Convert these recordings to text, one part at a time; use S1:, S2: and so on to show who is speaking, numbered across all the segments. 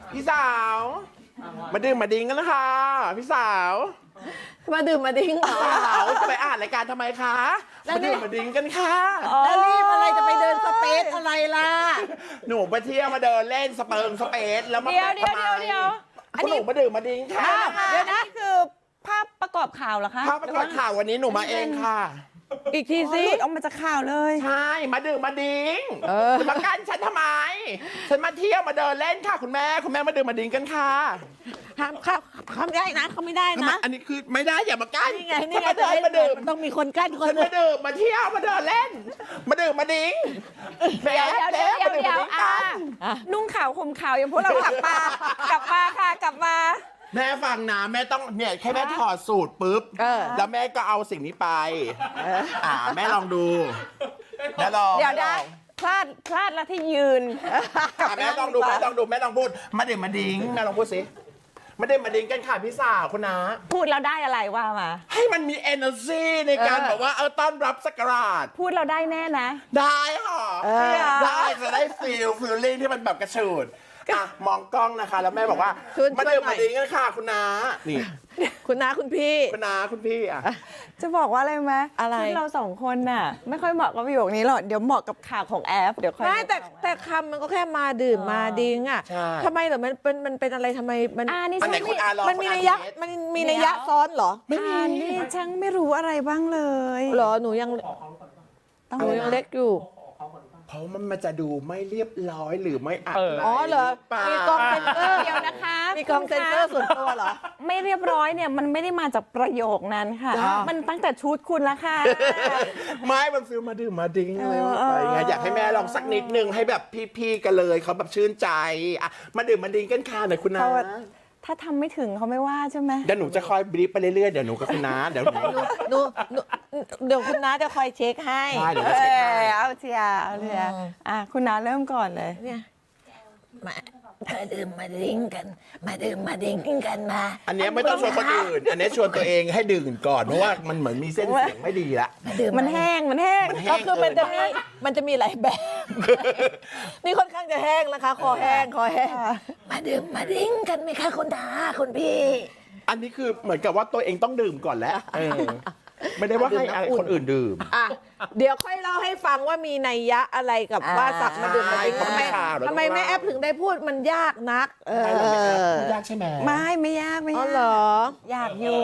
S1: พี่สาวมาดื่มมาดิ้งกันนะคะพี่สาว
S2: มาดื่มมาดิ้งเหรอ
S1: สาวจะไปอ่านรายการทำไมคะมาดื่มมาดิ้งกันค่ะ
S2: แล้วรีบอะไรจะไปเดินสเปซอะไรล่ะ
S1: หนูไปเที่ยวมาเดินเล่นสเปซแล้วมา
S3: เดี๋ยว
S1: ทำไม
S3: อันนี้
S1: หนูมาดื่มมาดิ้งค่ะ
S3: เดี๋ยวนะคือภาพประกอบข่าวเหรอคะ
S1: ภาพประกอบข่าววันนี้หนูมาเองค่ะ
S2: อีกทีสิ
S3: หลุดออกมาจากข่าวเลย
S1: ใช่มาดื่มมาดิ้งจะมากั้นฉันทำไม ฉันมาเที่ยวมาเดินเล่นค่ะคุณแม่มาดื่มมาดิ้งกันค่ะ
S2: ห้ามเขาไม่ได้นะเขาไม่ได้นะ
S1: อันนี้คือไม่ได้อย่ามากั้น
S2: นี่ไงนี่ไง
S1: มาเดินมาดื่ม
S2: มันต้องมีคนกั้นคน
S1: ฉันมาดื่มมาเที่ยวมาเดินเล่น มาดื่มมาดิ้ง
S3: เดี๋ยว
S1: มาดื่มมาดิ้งกัน
S3: นุ่งข่าวห่มข่าวอย่างพวกเรากลับมาค่ะกลับมา
S1: แม่ฟังนะแม่ต้องเนี่ยแค่แม่ถอดสูตรปุ๊บแล้วแม่ก็เอาสิ่งนี้ไปแม่ลองดูแม่ลอง
S3: เดี๋ยวนะพลาดแล้วที่ยืน
S1: แม่ต้องดูแม่ต้องดูแม่ต้องพูดมาดื่มมาดิ้งแม่ลองพูดสิมาดื่มมาดิ้งกันค่ะพี่สาวคุณนะ
S3: พูดแล้วได้อะไรว่ามา
S1: ให้มันมี energy ในการแบบว่าต้อนรับสักราช
S3: พูดเราได้แน่นะ
S1: ได้ค่ะได้จะได้feeling ที่มันแบบกระชูดมองกล้องนะคะแล้วแม่บอกว่ามาดื่มมาดิ้งกันค่ะคุณน้านี่
S2: คุณน้าคุณพี่
S1: คุณน้าคุณพี่
S3: จะบอกว่าอะไรไหม
S2: อะไร
S3: ชุดเราสองคนน่ะไม่ค่อยเหมาะกับประโยคนี้หรอกเดี๋ยวเหมาะกับข่าวของแอฟเดี๋ยวค่อย
S2: ไม่แต่คำมันก็แค่มาดื่มมาดิ้งอ่ะทำไมเหรอมันเป็นอะไรทำไมมัน
S3: นี่
S1: อันไหน
S3: ฉัน
S1: คุณอาลอง
S2: มันมีนัยยะมันมีนัยยะซ้อนเหรอ
S3: นี่ฉันไม่รู้อะไรบ้างเลย
S2: เหรอหนูยังเล็กอยู่
S1: เพราะมันจะดูไม่เรียบร้อยหรือไม่อัด
S2: อ๋อเหรอมีกล้องเซ็นเซอร์
S3: เดี๋ยวนะคะ
S2: มีกล้องเซ็นเซอร์ส่วนตัวเหรอ
S3: ไม่เรียบร้อยเนี่ยมันไม่ได้มาจากประโยคนั้นค่ะ มันตั้งแต่ชุดคุณละค่ะ
S1: ไม่มันฟิลมาดื่มมาดิ้งอะไรไปไงอยากให้แม่ลองสักนิดนึงให้แบบพี่ๆกันเลยเขาแบบชื่นใจมาดื่มมาดิ้งกันค่ะหน่อยคุณน้า
S3: ถ้าทำไม่ถึงเขาไม่ว่าใช่ไหม
S1: เดี๋ยวหนูจะคอยบรีฟไปเรื่อยๆเดี๋ยวหนูกับคุณน้าเดี๋ยวหนู
S2: หนูเดี๋ยวคุณน้าจะคอยเช็คให้
S1: ใช่เดี๋ยวจะเช็คให้
S3: เอาเชียร์คุณน้าเริ่มก่อนเลย
S2: เนี่ย
S4: มาดื่มมาดิ้งกันมาดื่มมาดิ้งกันมา
S1: อันเนี้ยไม่ต้องชวนคนอื่น อันเนี้ยชวนตัวเองให้ดื่มก่อนเพราะว่ามันเหมือนมีเส้นเสียงไม่ดีละ
S3: มันแห้ง
S1: มันแห้
S2: ก็
S1: ง
S2: คือมันจะมีหลายแบบ นี่ค่อนข้างจะแห้งนะคะ คอแห้ง
S4: มาดื่มมาดิ้งกันไหมคะคุณตาคุณพี่
S1: อันนี้คือเหมือนกับว่าตัวเองต้องดื่มก่อนแล้วไม่ได้ว่าให้คนอื่นดื่ม
S2: อ่ะเดี๋ยวค่อยเล่าให้ฟังว่ามีนัยยะอะไรกับว่าสักมาดื่มมาดิ้ง
S1: ใช่
S2: ทำไมแม่แอปถึงได้พูดมันยากนัก
S1: ไม่ยากใช่ไหม
S3: ไม่ยาก
S2: อ๋อเหรอ
S3: อยากอยู่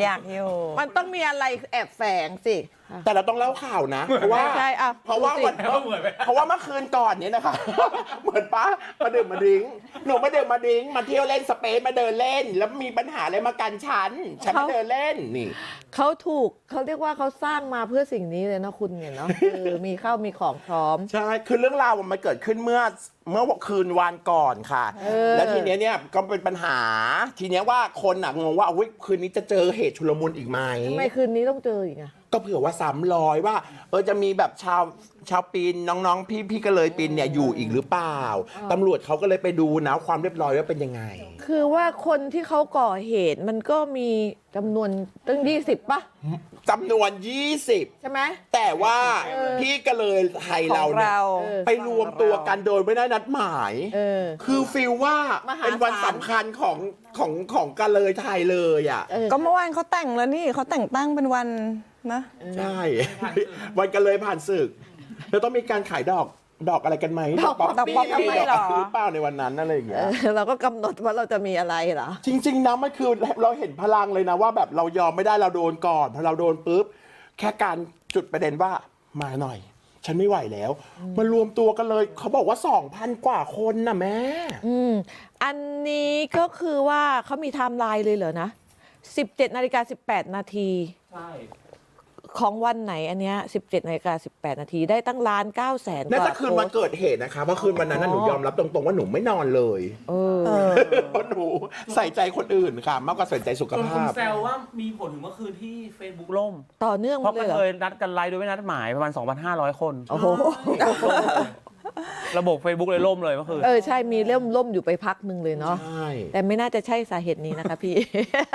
S2: มันต้องมีอะไรแอบแฝงสิ
S1: แต่เราต้องเล่าข่าวนะ เพราะว่า
S2: ใช่อ่ะ
S1: เพราะว่าเมื่อคืนก่อนนี้นะคะ เหมือนป้ามาดื่มมาดิ้งหนูมาดื่มมาดิ้งมาเที่ยวเล่นสเปซมาเดินเล่น แล้วมีปัญหาอะไรมากันฉันมาเดินเล่นนี่
S2: เขาเรียกว่าเขาสร้างมาเพื่อสิ่งนี้เลยนะคุณเนี่ยเนาะมีข้าวมีของพร้อม
S1: ใช่คือเรื่องราวมันเกิดขึ้นเมื่อคืนวานก่อนค่ะ แล้วทีเนี้ยเนี่ยก็เป็นปัญหา ทีเนี้ยว่าคนงงว่าคืนนี้จะเจอเหตุชุลมุนอีกไหม
S2: ทำไมคืนนี้ต้องเจออีกอะ
S1: ก็เผื่อว่า300ว่าจะมีแบบชาวปีนน้องๆพี่ก็เลยปีนเนี่ยอยู่อีกหรือเปล่าตำรวจเขาก็เลยไปดูนะความเรียบร้อยว่าเป็นยังไง
S2: คือว่าคนที่เขาก่อเหตุมันก็มีจำนวนตั้ง20ป่ะ
S1: จำนวน
S2: ใช่ไหม
S1: 20 แต่ว่าพี่ก็เลยไทยเราเนี่ยไปรวมตัวกันโดยไม่ได้นัดหมาย คือฟีลว่าเป็นวันสำคัญของกันเลยไทยเลยอ่ะ
S3: ก็เมื่อวานเขาแต่งแล้วนี่เขาแต่งตั้งเป็นวันนะ
S1: ใช่ วันกันเลยผ่านศึกแล้วต้องมีการขายดอกอะไรกันไหมดอกป๊อปปี้หรือเปล่าในวันนั้นอะไรอย่างเงี้ย
S2: เราก็กำหนดว่าเราจะมีอะไรเหรอ
S1: จริงๆนะมันคือเราเห็นพลังเลยนะว่าแบบเรายอมไม่ได้เราโดนก่อนพอเราโดนปุ๊บแค่การจุดประเด็นว่ามาหน่อย ฉันไม่ไหวแล้วมารวมตัวกันเลยเขาบอกว่า 2,000 กว่าคนนะแม่
S2: อันนี้ก็คือว่าเขามีไทม์ไลน์เลยเหรอนะ17:18 นาทีใช่ของวันไหนอันเนี้ย17:18 นาทีได้ตั้ง1,900,000
S1: น่าจะคืนวันเกิดเหตุนะคะเพราะคืนวันนั้นหนูยอมรับตรงๆว่าหนูไม่นอนเลยเพราะหนูใส่ใจคนอื่นค่ะมากกว่าใส่ใจสุข
S5: คุณ
S1: ภาพ
S5: แซวว่ามีผลถึงเมื่อคืนที่ Facebook ล่ม
S2: ต่อเนื่อง
S5: เพราะ
S2: เล
S5: ก็
S2: ยเหรอ
S5: เคยนัดกันไลฟ์โดยไม่นัดหมายประมาณ 2,500 คน
S2: โอ้โห
S5: ระบบ Facebook เลยล่มเลยเมื่อคืน
S2: ใช่มีล่มอยู่ไปพักหนึ่งเลยเนาะ
S1: ใช่
S2: แต่ไม่น่าจะใช่สาเหตุนี้นะคะพี่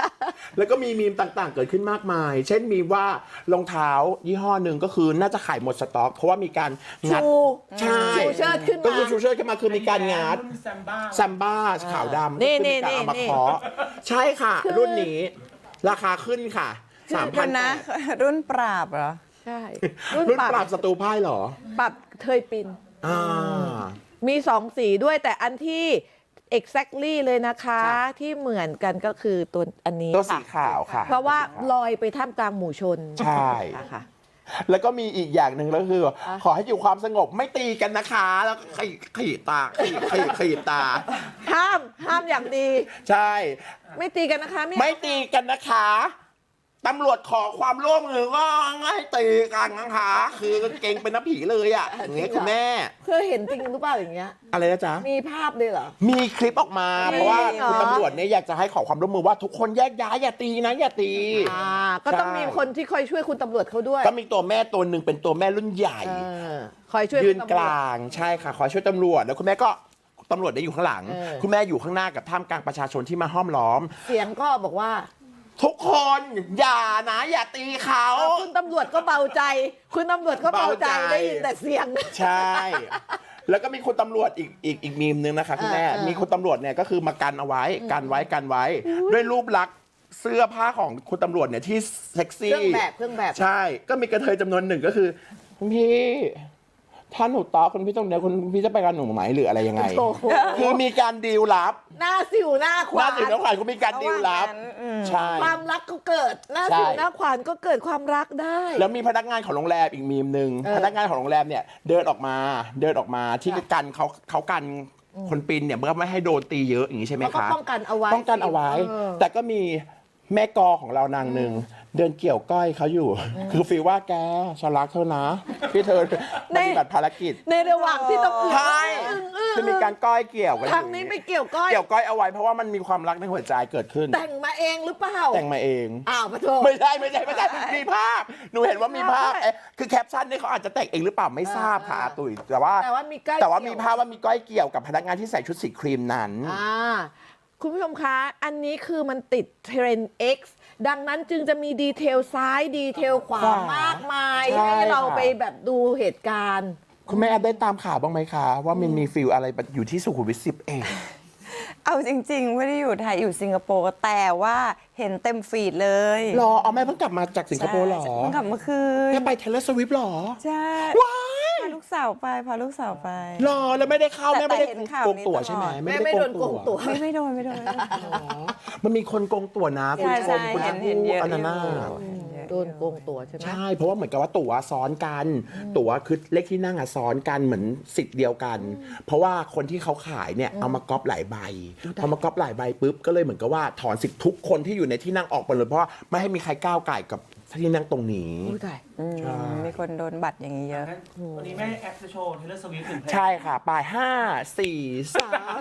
S1: แล้วก็มีมีมต่างๆ เกิดขึ้นมากมาย เช่นมีว่ารองเท้ายี่ห้อหนึ่งก็คือน่าจะขายหมดสต็อก เพราะว่ามีการงัด
S2: ชู
S1: ใช่
S2: ชูเชิดขึ้นมา
S1: ก็คือชูเชิดขึ้นมาคือมีการงัดแซมบ้าขาวดำ
S2: นี่
S1: ก็คือมีการเอามา
S2: นี่
S1: เคาะใช่ค่ะ รุ่นนี้ราคาขึ้นค่ะ
S3: คุณนะ
S1: 3,000
S3: รุ่นปราบเหรอ
S2: ใช่
S1: รุ่นปราบศัตรูพ่ายเหรอ
S2: ปรับเทยปิน
S1: อ่า
S2: มี2สีด้วยแต่อันที่ exactly เลยนะคะ
S1: ค่ะ
S2: ที่เหมือนกันก็คือตัวอันนี้
S1: ตัวสี
S2: ค่ะ
S1: ขาวค่ะ
S2: เพราะว่าลอยไปท่ามกลางหมู่ชน
S1: ใช่
S2: ค่ะ
S1: แล้วก็มีอีกอย่างหนึ่งก็คือ ขอให้อยู่ความสงบไม่ตีกันนะคะ แล้วก็ขีดตาขีดตา
S2: ห้ามอย่างดี
S1: ใช่
S2: ไม่ตีกันนะคะ
S1: ไม่ตีกันนะคะตำรวจขอความร่วมมือว่าให้ตีกันนะคะ คือเก่งเป็นน้ำผีเลยอ่ะอย่างเงี้ยคุณแม่
S2: เคยเห็นจริงหรือเปล่าอย่างเงี้ย
S1: อะไรนะจ๊ะ
S2: มีภาพเลยเหรอ
S1: มีคลิปออกมา
S2: มี
S1: เพราะว่า
S2: เหรอ
S1: คุณตำรวจเนี่ยอยากจะให้ขอความร่วมมือว่าทุกคนแยกย้ายอย่าตีนะอย่าตี
S2: ก็ต้อง
S1: ใช่
S2: มีคนที่คอยช่วยคุณตำรวจเขาด้วย
S1: ก็มีตัวแม่ตัวหนึ่งเป็นตัวแม่รุ่นใหญ่
S2: เออคอยช่วย
S1: ยืน
S2: คุณ
S1: ก
S2: ตำรวจ
S1: ลางใช่ค่ะ ขอช่วยตำรวจแล้วคุณแม่ก็ตำรวจได้อยู่ข้างหลัง
S2: เออ
S1: คุณแม่อยู่ข้างหน้ากับท่ามกลางประชาชนที่มาห้อมล้อม
S2: เสียงก็บอกว่า
S1: ทุกคนอย่านะอย่าตีเขา
S2: คุณตำรวจก็เบาใจ คุณตำรวจก็เบาใจ
S1: เบาใจ
S2: ได้ยินแต่เสียง
S1: ใช่ แล้วก็มีคุณตำรวจอีกมีมนึงนะคะคุณแม่ มีคุณตำรวจเนี่ยก็คือมากันเอาไว้กันไว้ด้วยรูปลักษณ์เสื้อผ้าของคุณตำรวจเนี่ยที่เซ็กซี่
S2: เครื่องแบบ
S1: ใช่ ก็มีกระเทยจำนวนหนึ่งก็คือคุณพี่ถ้าหนูต่อคุณพี่ต้องเดี๋ยวคุณพี่จะไปกับหนูไหมหรืออะไรยังไง
S2: โอ้โห
S1: คือมีการดีลลับ
S2: หน้าสิวหน้าข
S1: หน้าว
S2: าน
S1: ถึงน้องขวัญก็มีการดีลลับ ใช่
S2: ความรักก็เกิด หน้า
S1: ใช่
S2: สิวหน้าขวานก็เกิดความรักได้
S1: แล้วมีพนักงานของโรงแรมอีกมีมหนึ่ง
S2: เออ
S1: พนักงานของโรงแรมเนี่ยเดินออกมาที่กันเขากันคนปีนเนี่ยเพื่อไม่ให้โดนตีเยอะอย่างนี้ใช่ไหม
S2: แล้วก็
S1: คะ
S2: ป้องกันเอาไว้
S1: ป้องกันเอาไว้
S2: เออ
S1: แต่ก็มีแม่กอของเรานางหนึ่งเดินเกี่ยวก้อยเขาอยู่ คือฟีลว่าแกฉันรักเธอนะที่เธอปฏิบัติภารกิจ
S2: ในระหว่างที่ต้องอึ้ง
S1: ใช่
S2: อึ้ง
S1: คือมีการก้อยเกี่ยวกันอยู่
S2: ทางนี้ไม่เกี่ยวก้อย
S1: เกี่ยวก้อยเอาไว้เพราะว่ามันมีความรักในหัวใจเกิดขึ้น
S2: แต่งมาเองหรือเปล่า
S1: แต่งมาเอง
S2: อ้าวปะโถ
S1: ไม่ใช่มีภาพหนูเห็นว่ามีภาพคือแคปชั่นนี่เขาอาจจะแต่งเองหรือเปล่าไม่ทราบค่ะอาตุ๋ยแต่ว่า
S2: แต่ว่ามีก้อย
S1: แต่ว่า
S2: เกี่ยว
S1: มีภาพว่ามีก้อยเกี่ยวกับพนักงานที่ใส่ชุดสีครีมนั้น
S2: คุณผู้ชมคะ อันนี้คือมันติดเทรนด์ X ดังนั้นจึงจะมีดีเทลซ้ายดีเทลขวา
S1: ขวาม
S2: ากมาย
S1: ใช่
S2: ให้เรา
S1: ค่ะ
S2: ไปแบบดูเหตุการณ์
S1: คุณแม่แอบได้ตามข่าวบ้างไหมคะ ว่ามันมีฟิลอะไรอยู่ที่สุขุมวิท10เอง
S3: เอาจริง ๆ ไม่ได้อยู่ไทยอยู่สิงคโปร์แต่ว่าเห็นเต็มฟีดเลย
S1: รอเอาแม่เพิ่งกลับมาจากสิงคโปร์เหรอ
S3: ใช่เพิ่งกลับเมื่อคืน
S1: แม่ไปเทเลสวิฟหรอ
S3: ใช่
S1: ว้าย
S3: พาลูกสาวไปพาลูกสาวไป
S1: รอแล้วไม่ได้เข้า
S3: แต่
S1: แม่ไม่ได้
S3: เห็นข่าว
S1: โกง
S3: นี้
S1: ตั๋ว
S3: ตลอด
S1: ใช่ไหม
S2: แม่ไม่โดนโกงตั๋ว
S3: ไม่โดนไม่โดน
S1: อ๋อมันมีคนโกงตั๋วนะคุณ
S3: ใช่
S1: ช
S3: ใช่
S1: มคุณ
S3: เห็นเยอะ
S1: อันนั้นน่ะ
S2: โดนโกงตั๋วใช่ไหม
S1: ใช่ เพราะว่าเหมือนกับว่าตั๋วซ้อนกัน ตั๋วคือเลขที่นั่งอะซ้อนกันเหมือนสิทธิ์เดียวกัน เพราะว่าคนที่เขาขายเนี่ยเอามาก๊อปหลายใบพอมาก๊อปหลายใบปุ๊บก็เลยเหมือนกับว่าถอนสิทธิ์ทุกคนที่อยู่ในที่นั่งออกไปเลยเพราะว่าไม่ให้มีใครก้าวไก่กับที่นั่งตรงนี้
S2: อุ้ยตาย
S3: มีคนโดนบัตรอย่างนี้เยอะ
S5: วันนี้แม่แอปจะโชว์เทเลสวิฟถึงเพลง
S1: ใช่ค่ะปลาย5 4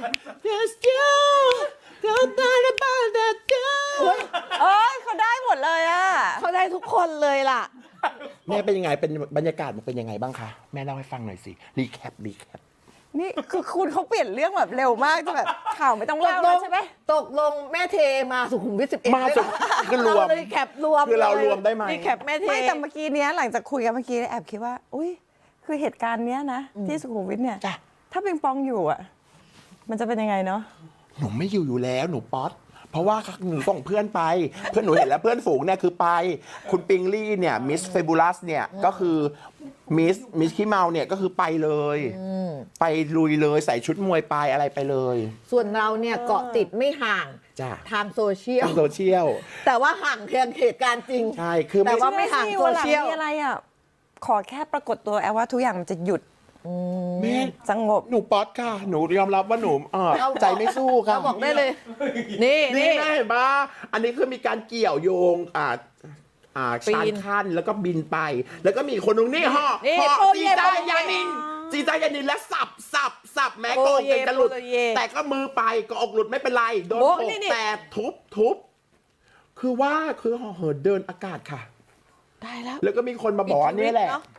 S1: 3 Just you don't talk about that girl
S3: เอ้ยเขาได้หมดเลยอ่ะ
S2: เขาได้ทุกคนเลยล่ะ
S1: แม่เป็นยังไงเป็นบรรยากาศมันเป็นยังไงบ้างคะแม่เล่าให้ฟังหน่อยสิรีแคป
S3: นี่คือคุณเขาเปลี่ยนเรื่องแบบเร็วมากจะแบบข่าวไม่ต้องเล่าแล้วใช่ไหม
S2: ตกลงแม่เทมาสุขุมวิท11
S1: มาสุคือรวม
S2: เราเลยแคปรวม
S1: คือเรา
S2: ลย
S1: รวมได้ไหม
S2: รีแคปแม่เท
S3: ไม่แต่เมื่อกี้เนี้ยหลังจากคุยกันเมื่อกี้แอบคิดว่า อุ้ยคือเหตุการณ์เนี้ยนะที่สุขุมวิทเนี่ย
S1: จ้ะ
S3: ถ้าปิงปองอยู่อ่ะ มันจะเป็นยังไงเนาะ
S1: หนูไม่อยู่แล้วหนูป๊อตเพราะว่าหนูส่งเพื่อนไป เพื่อนหนูเห็นแล้วเพื่อนฝูงเนี่ยคือไป คุณปิงลี่เนี่ยมิสเฟบูลัสเนี่ยก็คือมิสขี้เมาเนี่ยก็คือไปเลย ไปลุยเลยใส่ชุดมวยไปอะไรไปเลย
S2: ส่วนเราเนี่ยเกาะติดไม่ห่าง
S1: จ้ะ
S2: ทางโซเชียล
S1: ทางโซเชียล
S2: แต่ว่าห่างเพียงเหตุการณ์จริง
S1: ใช่คือ
S2: แต่
S1: ไม่
S2: ว่าไม่ห่างโซเชียล
S3: วันหลังมีอะไรอ่ะ ขอแค่ปรากฏตัวแอลว่าทุกอย่างมันจะหยุด
S1: แม่
S3: สงบ
S1: หนูป๊อตค่ะ หนูยอมรับว่าหนูใจไม่สู้ค่ะ
S2: เราบอกได้เลย นี่
S1: นี่
S2: นี่
S1: แม่เห็นปะอันนี้คือมีการเกี่ยวโยง
S2: ปีน
S1: ชานขั้นแล้วก็บินไป แล้วก็มีคนนึงนี่ห่อ
S2: นี่
S1: ห่อ
S2: โปร
S1: จี
S2: เย่
S1: จา
S2: โปรเย่
S1: ยานินจีจายานินและสับแม้
S2: โป
S1: โก
S2: รง เย่
S1: เป็นกระหลุด
S2: โปรเย่
S1: แต่ก็มือไปก็อกหลุดไม่เป็นไร โดน
S2: โอ้
S1: โขก
S2: นี่
S1: แต่ทุบคือว่าคือห่อเหินเดินอากาศค่ะ
S2: ได้แล้ว
S1: แล้วก็มีคนมาบอกว่านี่แหละ
S2: มีชีวิตเนอะ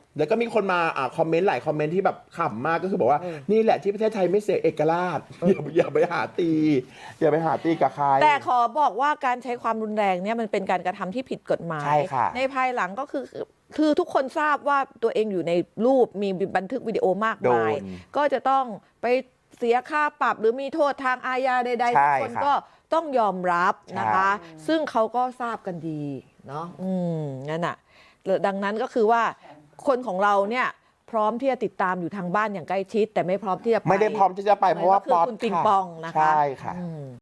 S1: แล้วก็มีคนมาคอมเมนต์หลายคอมเมนต์ที่แบบขำมากก็คือบอกว่า นี่แหละที่ประเทศไทยไม่เสียเอกราชอย่าไปหาตี อย่าไปหาตีกับใคร
S2: แต่ขอบอกว่าการใช้ความรุนแรงเนี่ยมันเป็นการกระทำที่ผิดกฎหมาย
S1: ใช่ค่ะ
S2: ในภายหลังก็คือทุกคนทราบว่าตัวเองอยู่ในรูปมีบันทึกวิดีโอมากมาย ก็จะต้องไปเสียค่าปรับหรือมีโทษทางอาญาใดๆทุกคนก็ต้องยอมรับนะคะ ซึ่งเขาก็ทราบกันดีเนาะนั่นน่ะดังนั้นก็คือว่าคนของเราเนี่ยพร้อมที่จะติดตามอยู่ทางบ้านอย่างใกล้ชิด แต่ไม่พร้อมที่จะไป
S1: ไม่ได้พร้อมที่จะไปเพราะว่า
S2: ก็คือคุณปิงปองนะคะ
S1: ใช่ค่ะ